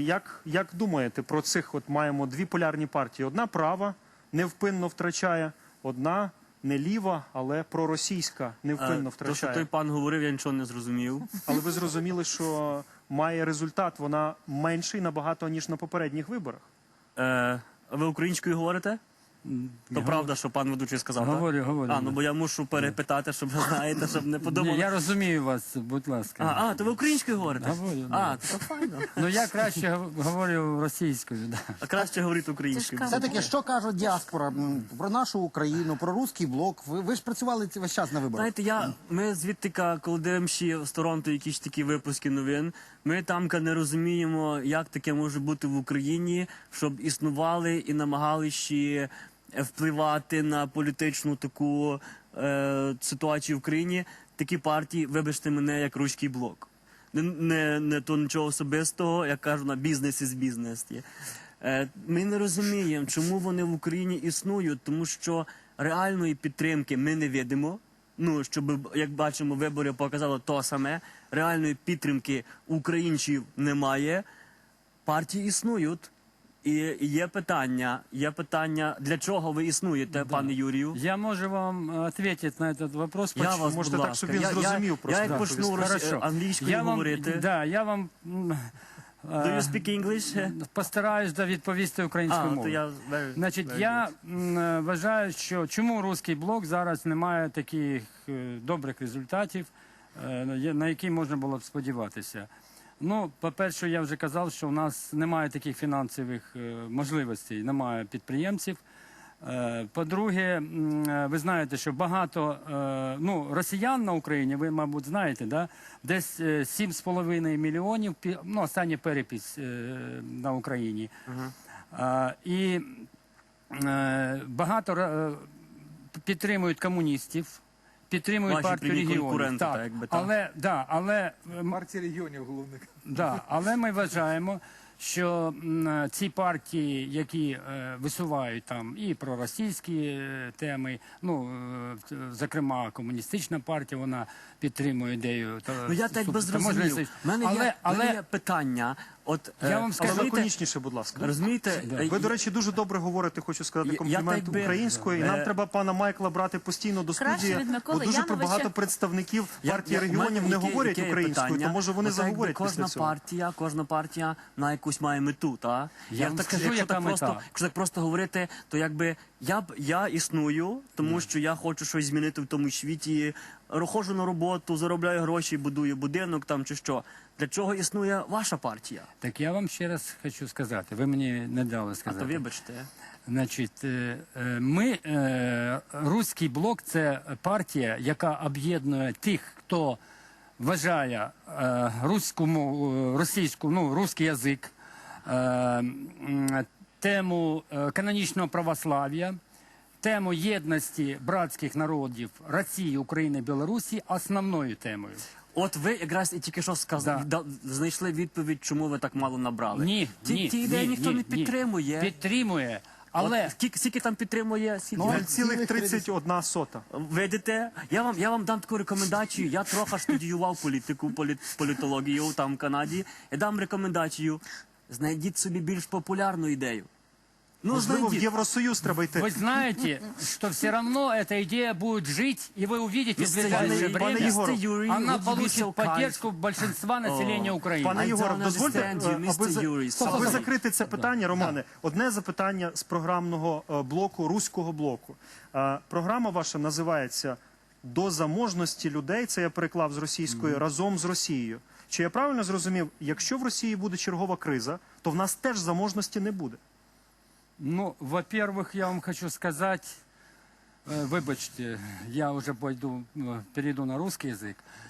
як думаєте про цих, от маємо дві полярні партії. Одна права, невпинно втрачає, одна не ліва, але проросійська, невпинно То, що втрачає. той пан говорив, я нічого не зрозумів. Але ви зрозуміли, що має результат, вона менший набагато, ніж на попередніх виборах. Ви українською говорите? То правда, що пан ведучий сказав, так? Говорю. Ну бо я мушу перепитати, щоб ви знаєте, щоб не подумали. Ні, я розумію вас, будь ласка. То ви українською говорите? Говорю, да. То файно. Ну я краще говорю російською, да. А краще говорити українською. Все-таки, що каже діаспора про нашу Україну, про руський блок? Ви ж працювали весь час на виборах. Знаєте, ми звідти, коли дивимося з Торонто якісь такі випуски новин, ми там не розуміємо, як таке може бути в Україні, щоб існували і намагалися впливати на політичну таку ситуацію в країні такі партії, вибачте мене, як Руський блок. Не то нічого особистого, як кажу, на бізнес із бізнес є. Ми не розуміємо, чому вони в Україні існують, тому що реальної підтримки ми не видимо. Ну, щоб, як бачимо, вибори показали то саме. Реальної підтримки українців немає. Партії існують. І є питання, для чого ви існуєте, пане Юрію? Я можу вам відповісти на цей вопрос. Я вас, можете будь так, ласка. щоб він зрозумів просто. Я як почну Хорошо. англійською говорити. Я вам Do you speak English? постараюсь відповісти українською То мовою. я Значить, я вважаю, що чому Руський блок зараз не має таких добрих результатів, на які можна було б сподіватися. Ну, по-перше, я вже казав, що у нас немає таких фінансових можливостей, немає підприємців. По-друге, ви знаєте, що багато росіян на Україні, ви, мабуть, знаєте, да? Десь 7,5 мільйонів, остання перепис на Україні. І багато підтримують комуністів, підтримують партію регіонів. Але Партія регіонів головних. але ми вважаємо, що ці партії, які висувають там і проросійські теми, зокрема комуністична партія, вона підтримує ідею. Я так би зрозумів. У мене є питання. Я вам скажу, лаконічніше, будь ласка. Розумієте? Ви, до речі, дуже добре говорите, хочу сказати комплімент українською. І нам треба пана Майкла брати постійно до студії, бо дуже багато представників партії регіонів не говорять українською, то може вони заговорять після цього. Кожна партія на якусь має мету, так? Я вам скажу, яка мета. Якщо так просто говорити, то якби я існую, тому що я хочу щось змінити в тому світі, ходжу на роботу, заробляю гроші, будую будинок там чи що. Для чого існує ваша партія? Так я вам ще раз хочу сказати, ви мені не дали сказати. То вибачте. Значить, Руський блок – це партія, яка об'єднує тих, хто вважає російський язик, тему канонічного православ'я, тему єдності братських народів Росії, України, Білорусі основною темою. От ви якраз і тільки що знайшли відповідь, чому ви так мало набрали. Ні. Ті ідеї ніхто не підтримує. Підтримує, але... Скільки там підтримує? 0,31. Видите? Я вам дам таку рекомендацію. Я трохи студіював політику, політологію там в Канаді. Я дам рекомендацію. Знайдіть собі більш популярну ідею. Можливо, в Євросоюз треба йти. Вы знаете, что все равно эта идея будет жить, и вы увидите в ближайшее время, она получит поддержку большинства населения України. Пане Єгоров, дозвольте, аби закрити це питання, Романе, одне запитання з програмного блоку, Руського блоку. Програма ваша називається «До заможності людей», це я переклав з російської, «Разом з Росією». Чи я правильно зрозумів, якщо в Росії буде чергова криза, то в нас теж заможності не буде? Ну, во-первых, я вам хочу сказать, вибачте, я уже перейду на русский язык.